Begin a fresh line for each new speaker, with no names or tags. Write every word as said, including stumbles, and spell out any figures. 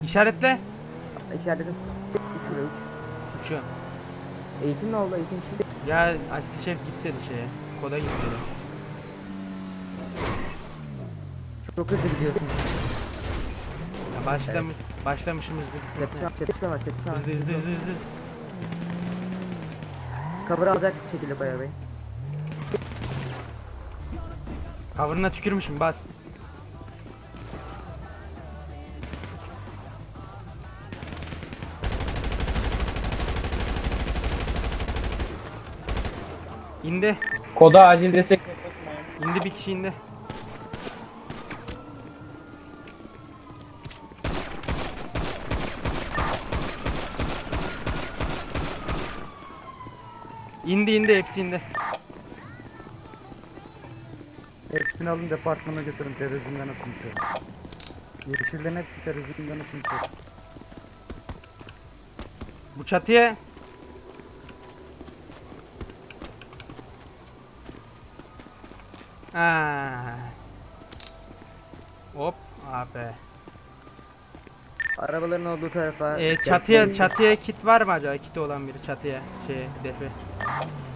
İşaretle.
İşaretim. üç ile üç.
Uçuyorum.
Eğitim ne oldu? Eğitim şimdi.
Ya asist şef git dedi şeye. Koda git dedi.
Çok hızlı gidiyorsun.
Ya başlamış, başlamışımız bir.
Çatışma, çatışma var, çatışma var.
Hızlı hızlı hızlı hızlı.
Cover alacak şekilde Koyar Bey.
Cover'ına tükürmüşüm, bas. İndi.
Koda acil destek.
İndi, bir kişi indi. İndi indi, hepsi indi.
Hepsini alın departmana götürün, terörizmden atın. Yeşillerin hepsi terörizmden atın.
Bu çatıya. Aa. Hop abi.
Arabaların olduğu tarafa.
Ee, çatıya çatıya kit var mı acaba? Kiti olan biri çatıya şey defi.